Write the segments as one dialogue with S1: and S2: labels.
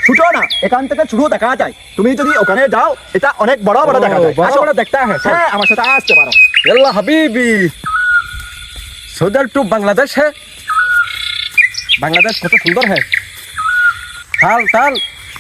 S1: ছুটো না, এখান থেকে শুরু দেখা যায়। তুমি যদি ওখানে যাও, এটা অনেক বড় বড় দেখা যায়।
S2: বড়
S1: আসো।
S2: বড় দেখতে है
S1: হ্যাঁ, আমার সাথে আসতে পারো।
S2: यल्ला हबीबी सौदर टू बांग्लादेश है। बांग्लादेश कत सुंदर है। ताल ताल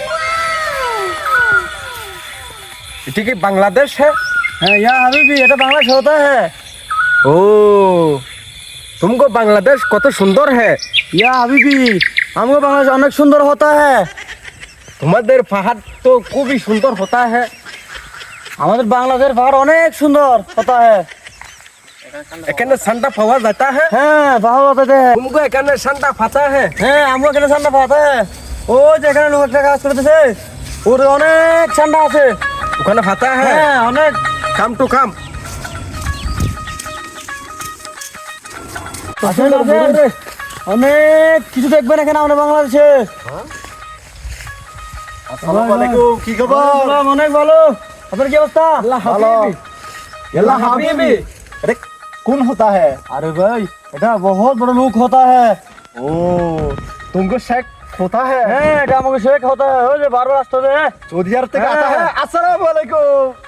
S2: ठीक है बांग्लादेश है।
S3: हाँ या हबीबी ये तो बांग्लादेश होता है।
S2: ओ तुमको बांग्लादेश कत सुंदर है।
S3: या हबीबी हमको बांग्लादेश अनेक सुंदर होता है।
S2: तुम्हारे पहाड़ तो खूब ही सुंदर होता है।
S3: हमारे बांग्लादेश पहाड़ अनेक सुंदर होता है।
S2: एकाने ठंडा पावा जाता है।
S3: हाँ बहुत होते हैं।
S2: तुमको एकाने ठंडा पाता है।
S3: হ্যাঁ আমরা কেন ঠান্ডা পাতা है। ও যেখানে লোকটা কাজ করতেছে ওর অনেক ঠান্ডা আছে।
S2: ওখানে পাতা है।
S3: হ্যাঁ অনেক
S2: काम टू काम
S3: আসেন আসেন অনেক কিছু দেখবেন এখানে আমাদের বাংলাদেশে।
S1: আসসালামু আলাইকুম, কি খবর?
S3: আসসালাম, অনেক ভালো। আপনার কি অবস্থা?
S1: ভালো। ইয়াল্লা হাবিবি, এটা কোন হতা है?
S3: अरे भाई এটা बहुत बड़ा लोग होता है।
S1: ओ, तुमको शेख होता है?
S3: হ্যাঁ এটা আমাকে শেখ होता है। ওই যে বারবার আসতে হবে।
S1: सऊदी अरब থেকে आता है। अस्सलाम वालेकुम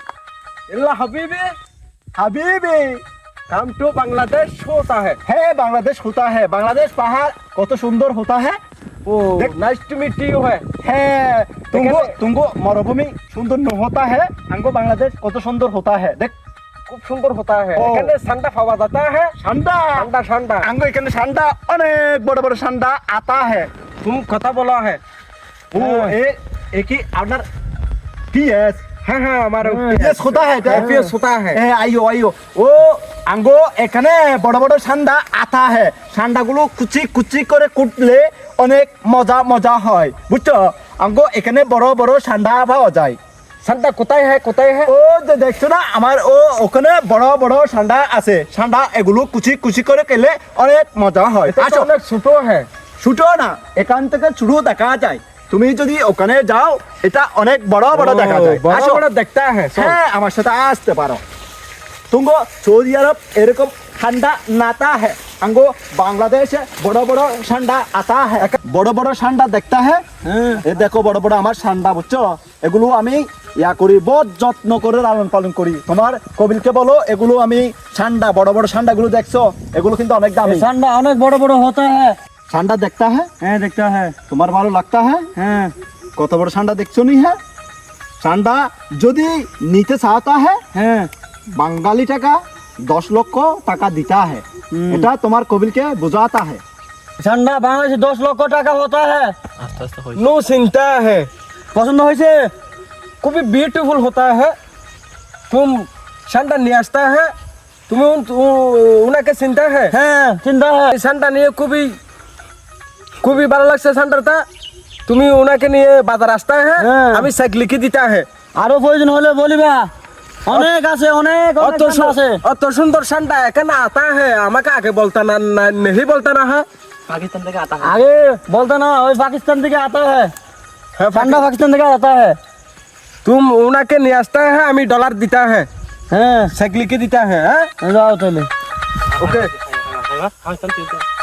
S2: इल्ला हबीबी
S1: হাবিবি।
S2: काम टू बांग्लादेश होता है।
S1: হ্যাঁ, বাংলাদেশ होता है। বাংলাদেশ পাহাড় কত সুন্দর होता है।
S2: Oh nice to meet you है।
S1: হ্যাঁ, तुमको
S2: এখানে-
S1: तुमको मरुभूमि सुंदर न होता है। हमको बांग्लादेश কত সুন্দর होता है। देख
S2: खूब सुंदर होता है।
S1: ओ।
S2: এখানে ठंडा पावा जाता है।
S1: ঠান্ডা।
S2: ठंडा ठंडा
S1: हमको এখানে ঠান্ডা অনেক বড় বড় ঠান্ডা आता है।
S2: तुम कथा बोला है।
S1: वो एक ही আপনার পিএস
S2: हाँ हाँ हमारे
S1: পিএস होता है।
S2: FPS होता है।
S1: আইও আইও ও আঙ্গো এখানে বড় বড় ঠান্ডা আতা है। ঠান্ডাগুলো কুচি কুচি করে কুটলে অনেক মজা মজা হয়, বুঝছো? আঙ্গো এখানে বড় বড় ঠান্ডা পাওয়া যায়।
S2: ठंडा কোথায় है কোথায় है।
S1: ও যে দেখছো না, আমার ওখানে বড় বড় ঠান্ডা আছে। ঠান্ডা এগুলো কুচি কুচি করে খেলে অনেক মজা হয়।
S2: এটা তো
S1: আসো।
S2: অনেক ছোট है।
S1: ছুটো না, এখান থেকে শুরু দেখা যায়। তুমি যদি ওখানে যাও, এটা অনেক বড় বড় দেখা যায়।
S2: বড়
S1: আসো।
S2: বড় দেখতে है।
S1: হ্যাঁ, আমার সাথে আসতে পারো। তুমগো সৌদি আরব এরকম ঠান্ডা নাতা है। আঙ্গো বাংলাদেশে বড় বড় ঠান্ডা আতা है। বড় বড় ঠান্ডা দেখতে है। এ দেখো বড় বড় আমার ঠান্ডা, বুঝছো? এগুলো আমি ইয়া করি, বহুত যত্ন করে লালন পালন করি। তোমার কবিলকে বলো, এগুলো আমি ঠান্ডা বড় বড় ঠান্ডাগুলো দেখছো, এগুলো কিন্তু অনেক দামি।
S3: ঠান্ডা অনেক বড় বড় होता है।
S1: ঠান্ডা দেখতে है।
S3: হ্যাঁ দেখতে है।
S1: তোমার ভালো লাগতা है।
S3: হ্যাঁ
S1: কত বড় ঠান্ডা দেখছো নি? হ্যাঁ, ঠান্ডা যদি নিতে চাওতা है,
S3: হ্যাঁ
S1: বাঙালি টাকা 10 লক্ষ টাকা দিতা है। এটা তোমার কবিলকে বোঝাতা है।
S3: ঠান্ডা বাংলাদেশে 10 লক্ষ টাকা होता है।
S2: नो चिंता है।
S3: পছন্দ হয়েছে?
S2: खूब ब्यूटीफुल होता है। तुम ठंडा नहीं आता है। तुम्हें उनके चिंता है।
S3: হ্যাঁ চিন্তা है।
S2: ठंडा नहीं খুবই ভালো লাগছে ঠান্ডাটা। তুমি ওনাকে নিয়ে বাজার আসতে है।
S3: হ্যাঁ।
S2: আমি চেক লিখে দিতে है।
S3: আরো প্রয়োজন হলে বলিবা। অনেক আছে অনেক অনেক ঠান্ডা আছে।
S2: অত সুন্দর ঠান্ডা এখানে आता है। আমাকে আগে বলতা না नहीं बोलता ना है।
S1: পাকিস্তান থেকে আতা
S3: আগে বলতে না, ওই পাকিস্তান থেকে आता है। ঠান্ডা পাকিস্তান থেকে आता है।
S2: तुम उनके नहीं आता है। আমি ডলার দিতা है।
S3: হ্যাঁ
S2: চেক লিখে দিতা है।
S3: যাও তাহলে।
S2: ओके